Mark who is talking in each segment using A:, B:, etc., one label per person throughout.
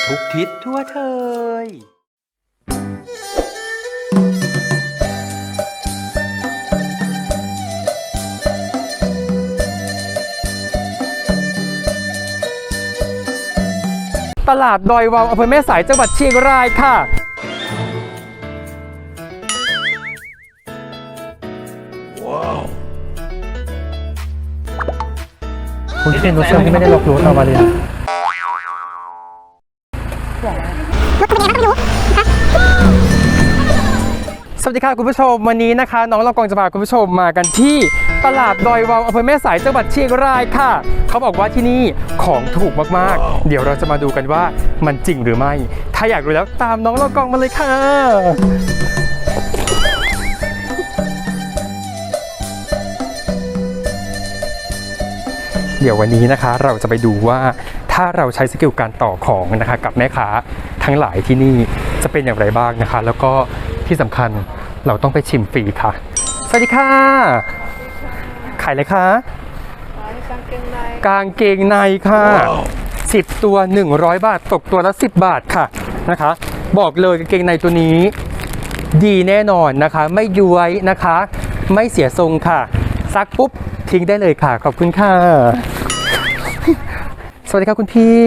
A: ทุกทิศทั่วเทยตลาดดอยวาวอำเภอแม่สายจังหวัดเชียงรายค่ะคุณเป็นรถเชื่อมที่ไม่ได้ล็อกรถเอามาเลยสวัสดีค่ะคุณผู้ชมวันนี้นะคะน้องละกองจะพาคุณผู้ชมมากันที่ตลาดดอยวาวอำเภอแม่สายจังหวัดเชียงรายค่ะเขาบอกว่าที่นี่ของถูกมากๆเดี๋ยวเราจะมาดูกันว่ามันจริงหรือไม่ถ้าอยากรู้แล้วตามน้องละกองมาเลยค่ะเดี๋ยววันนี้นะคะเราจะไปดูว่าถ้าเราใช้สกิลการต่อของนะคะกับแม่ค้าทั้งหลายที่นี่จะเป็นอย่างไรบ้างนะคะแล้วก็ที่สำคัญเราต้องไปชิมฟรีค่ะสวัสดีค่ะขายอะไรคะกางเกงในค่ะ10ตัว100 บาทตกตัวละ10 บาทค่ะนะคะบอกเลยกางเกงในตัวนี้ดีแน่นอนนะคะไม่ย้วยนะคะไม่เสียทรงค่ะซักปุ๊บทิ้งได้เลยค่ะขอบคุณค่ะสวัสดีครับคุณพี่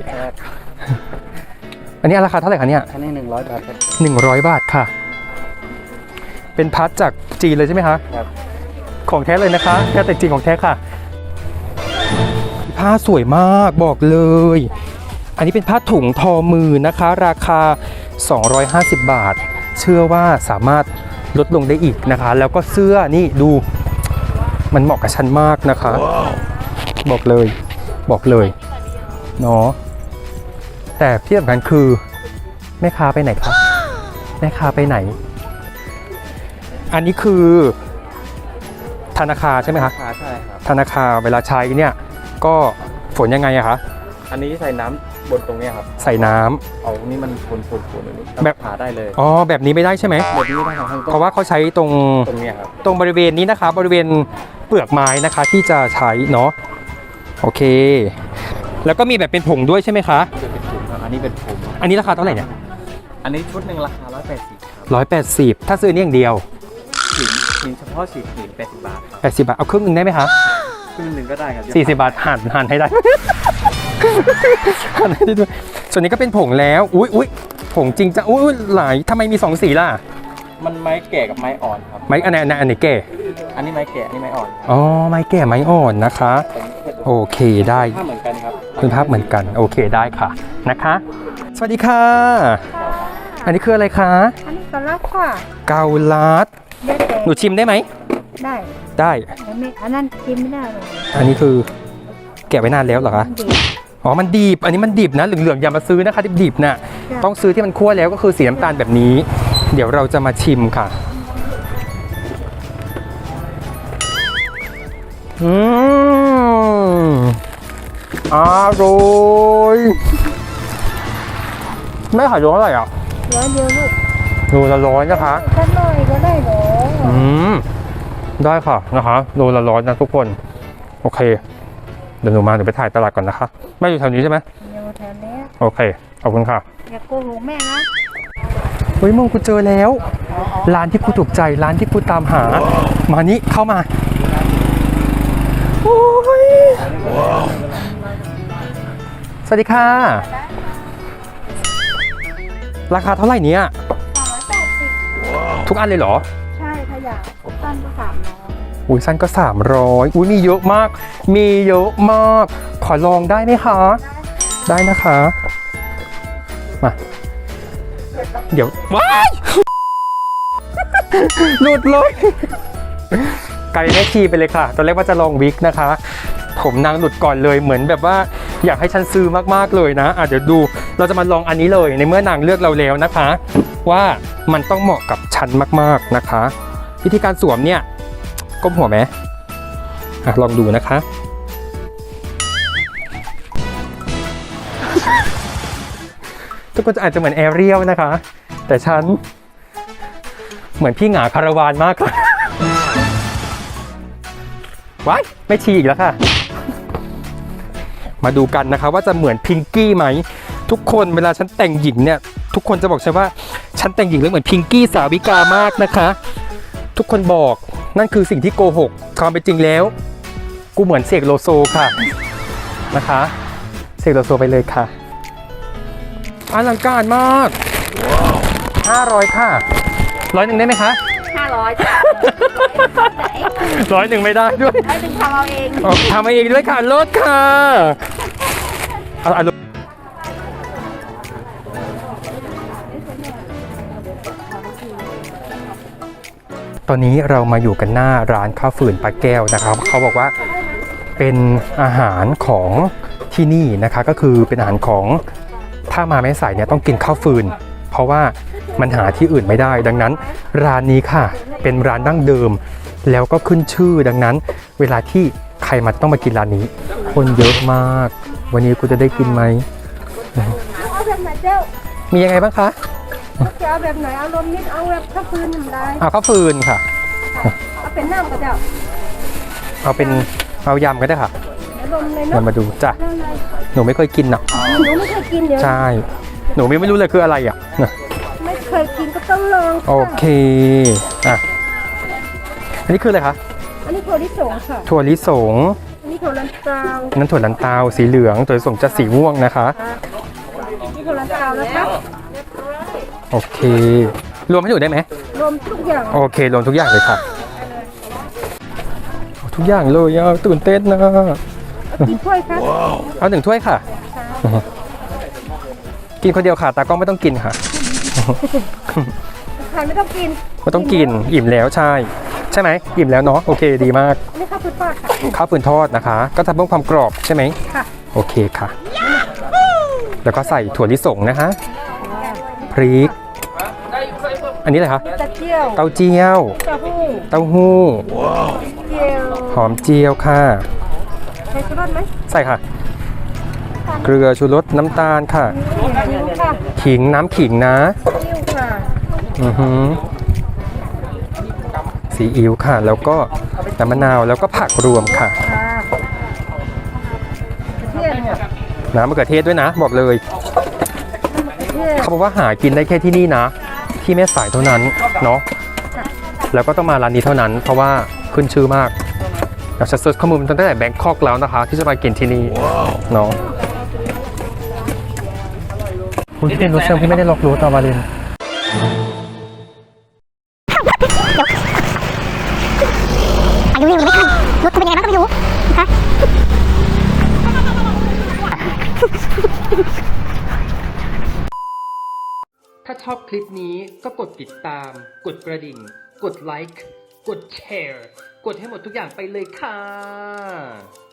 A: อันนี้ราคาเท่าไหร่คะเนี่ย
B: อันนี้100 บาทครับ
A: 100 บาทค่ะเป็นพัดจากจีนเลยใช่ไหมคะ
B: ครับ
A: ของแท้เลยนะคะแท้แต่จริงของแท้ค่ะผ้าสวยมากบอกเลยอันนี้เป็นผ้าถุงทอมือนะคะราคา250 บาทเชื่อว่าสามารถลดลงได้อีกนะคะแล้วก็เสื้อนี่ดูมันเหมาะกับฉันมากนะคะ บอกเลยเนาะแต่ที่สำคัญคือแม่ค้าไปไหนคะแม่ค้าไปไหนอันนี้คือธนาคารใช่ไหมคะ
B: ใช่ครับ
A: ธนาคารเวลาใช้เนี่ยก็ฝนยังไงอะคะ
B: อันนี้ใส่น้ำบนตรงนี้ครับ
A: ใส่น้ำ
B: เอานี่มันฝนแบบผ่าได้เลย
A: อ๋อแบบนี้ไม่ได้ใช่ไหม
B: แบบนี้ไม่ได้ครับ
A: เพราะว่าเขาใช้ตรง
B: นี้ครับ
A: ตรงบริเวณนี้นะคะบริเวณเปลือกไม้นะคะที่จะใช้เนาะโอเคแล้วก็มีแบบเป็นผงด้วยใช่ไหมคะ
B: เป็นผงครับอันนี้เป็นผง
A: อันนี้ราคาเท่าไหร่เนี่ย
B: อันนี้ชุดหนึ่งราคา180ครับ
A: 180ถ้าซื้อนี่อย่างเดียว
B: หินเฉพาะสีหิน80 บาท
A: 80 บาทเอาครึ่งนึงได้ไหมคะ
B: ครึ่งนึงก็ได้ครับ
A: 40 บาทหั่นให้ได้หั่นให้ได้ด้วยส่วนนี้ก็เป็นผงแล้วอุ้ยผงจริงจังอุ้ยหลายทำไมมี2สีล่ะ
B: มันไม้แก่กับไม้อ่อนครับ
A: ไม้อันไหนแก่
B: อันนี้ไม้แก่อันนี้ไม้อ่อน
A: อ๋อไม้แก่ไม้อ่อนนะคะโอเคได้
B: ภาพเหมือนกันครับ
A: คุณภาพเหมือนกันโอเคได้ค่ะนะคะสวัสดีค่ะอันนี้คืออะไรคะ
C: อันนี้เกาลัดค่ะ
A: เกาลัดหนูชิมได้ไหมได้
C: อันนั้นชิมไม่ได้เลย
A: อันนี้คือแกะไว้นานแล้วเหรอคะอ๋อมันดิบอันนี้มันดิบนะเหลืองๆอย่ามาซื้อนะคะดิบๆน่ะต้องซื้อที่มันคั่วแล้วก็คือสีน้ำตาลแบบนี้เดี๋ยวเราจะมาชิมค่ะอร่อยแม่ขายโลเท่าไหร่อ่ะ
C: 100 เดียวลูก
A: โลละ100นะคะ
C: ถ้าน้อยก็ได้หรอ
A: ได้ค่ะนะคะโลละ100นะทุกคนโอเคเดี๋ยวหนูไปถ่ายตลาดก่อนนะคะแม่อยู่แถวนี้ใช่ไหม
C: อยู่แถวนี้
A: โอเคขอบคุณค่ะ
C: อย่าโกหกแม่นะ
A: เฮ้ยมึงกูเจอแล้วร้านที่กูถูกใจร้านที่กูตามหามานี่เข้ามาโอ้ยสวัสดีค่ะราคาเท่าไหร่เนี่ย
C: 380
A: ทุกอันเลยเหรอ
C: ใช่ถ้าอยากสั้นก็300
A: อุ้ยสั้นก็300อุ้ยมีเยอะมากขอลองได้ไหมคะได้นะคะมาเดี๋ยวว้ายหลุดเลยกลายเป็นแม่ชีไปเลยค่ะตอนแรกว่าจะลองวิกนะคะผมนางหลุดก่อนเลยเหมือนแบบว่าอยากให้ฉันซื้อมากๆเลยนะเดี๋ยวดูเราจะมาลองอันนี้เลยในเมื่อนางเลือกเราแล้วนะคะว่ามันต้องเหมาะกับฉันมากๆนะคะวิธีการสวมเนี่ยก้มหัวไหมลองดูนะคะทุกคนอาจจะเหมือนแอเรียลนะคะแต่ฉันเหมือนพี่หงาคาราวานมากค่ะว้ายไม่ชีอีกแล้วค่ะมาดูกันนะคะว่าจะเหมือนพิงกี้ไหมทุกทุกคนเวลาฉันแต่งหญิงเนี่ยทุกคนจะบอกฉันว่าฉันแต่งหญิงแล้วเหมือนพิงกี้สาวิกามากนะคะ ทุกคนบอกนั่นคือสิ่งที่โกหกความเป็นจริงแล้ว กูเหมือนเสกโลโซค่ะนะคะเสกโลโซไปเลยค่ะอลังการมาก500ค่ะ100ได้ไหมคะ
C: 500จ้ะไหน
A: 100ไม่ได้ด้วย
C: ให้ดึงทำเอาเอง
A: ทำเองด้วยค่ะลดค่ะเอาตอนนี้เรามาอยู่กันหน้าร้านข้าวฝืนปลาแก้วนะครับเขาบอกว่าเป็นอาหารของที่นี่นะคะก็คือเป็นอาหารของถ้ามาแม่สายเนี่ยต้องกินข้าวฟืนเพราะว่ามันหาที่อื่นไม่ได้ดังนั้นร้านนี้ค่ะเป็นร้านดั้งเดิมแล้วก็ขึ้นชื่อดังนั้นเวลาที่ใครมาต้องมากินร้านนี้คนเยอะมากวันนี้กูจะได้กินไหม
C: เอาแบบไหนเจ้า
A: มียังไงบ้างคะ
C: จะเอาแบบไหนเอาลมนิดเอาแบบข้าวฟืนทำได้
A: เอาข้าวฟืนค่ะ
C: เอาเป็นน้ำก็เจ้า
A: เอายำก็ได้ค่ะ
C: เดี๋ยวลมเลย
A: เดี๋ย
C: เนาะ
A: วมาดูจ้ะ
C: ได้เลย
A: หนูไม่เคยกินนะ
C: หนูไม่เคยกินเดี๋ยว
A: ใช่หนูไม่รู้เลยคืออะไรอ่ะ
C: ไม่เคยกินก็ต้องลองค่ะ
A: โอเคอ่ะอันนี้คืออะไรคะ
C: อันนี้ถั่วลิสงค่ะ
A: ถั่วลิสง
C: อันนี้ถั่วลันเตา
A: นั้นถั่วลันเตาสีเหลืองถั่วลิสงจะสีม่วงนะคะ
C: นี่ถั่วลันเตานะคะ
A: โอเค รวมให้หนูได้ไหม
C: รวมทุกอย่าง
A: โอเครวมทุกอย่างเลยค่ะเอาทุกอย่างเลยอ่ะตื่นเต้นนะ
C: กี่ถ้วยคะ
A: เอา1 ถ้วยค่ะ กินคนเดียวค่ะตากล้องไม่ต้องกินค่ะ
C: ใครไม่ต้องกิน
A: ไม่ต้องกินอิ่มแล้วใช่ไหมอิ่มแล้วเนาะโอเคดีมาก
C: อันนี้ข้าวฟืนทอดค่ะ
A: ข้าวฟืนทอดนะคะ ก็ทำเพิ่มความกรอบใช่ไหม
C: ค่ะ
A: โอเคค่ะ แล้วก็ใส่ถั่วลิสงนะคะพริก อันนี้อะไรคะ
C: ตะเกียว
A: เต้าเจี้ยว
C: เต้าหู้
A: เต้าหู้
C: เจียว
A: หอมเจียวค่ะ
C: ใส่ชูรสไหม
A: ใส่ค่ะ เกลือชูรสน้ำตาลค่ะ
C: นิ้วค่ะ
A: ขิงน้ำขิงนะ
C: นิ้วค่ะ
A: อือหือซีอิ๊วค่ะ แล้วก็น้ำมะนาวแล้วก็ผักรวมค่ะ
C: ค่ะกระเทียมค่ะ
A: น้ำมะเขือเทศด้วยนะ บอกเลย
C: กระเทียม
A: เขาบอกว่าหากินได้แค่ที่นี่นะ ที่แม่สายเท่านั้นเนาะแล้วก็ต้องมาร้านนี้เท่านั้น เพราะว่าขึ้นชื่อมากอยากจะเซิร์ชข้อมูลตั้งแต่แบงคอกแล้วนะคะ ที่จะมากินที่นี่เนาะคุณที่เป็นรถเชิงที่ไม่ได้ล็อกรถต่อมาเลย
D: อายุยังไม่ขึ้นรถจะเป็นยังไงบ้างก็ไม่รู้นะคะ
A: ถ้าชอบคลิปนี้ก็กดติดตาม กดกระดิ่ง กดไลค์ กดแชร์ กดให้หมดทุกอย่างไปเลยค่ะ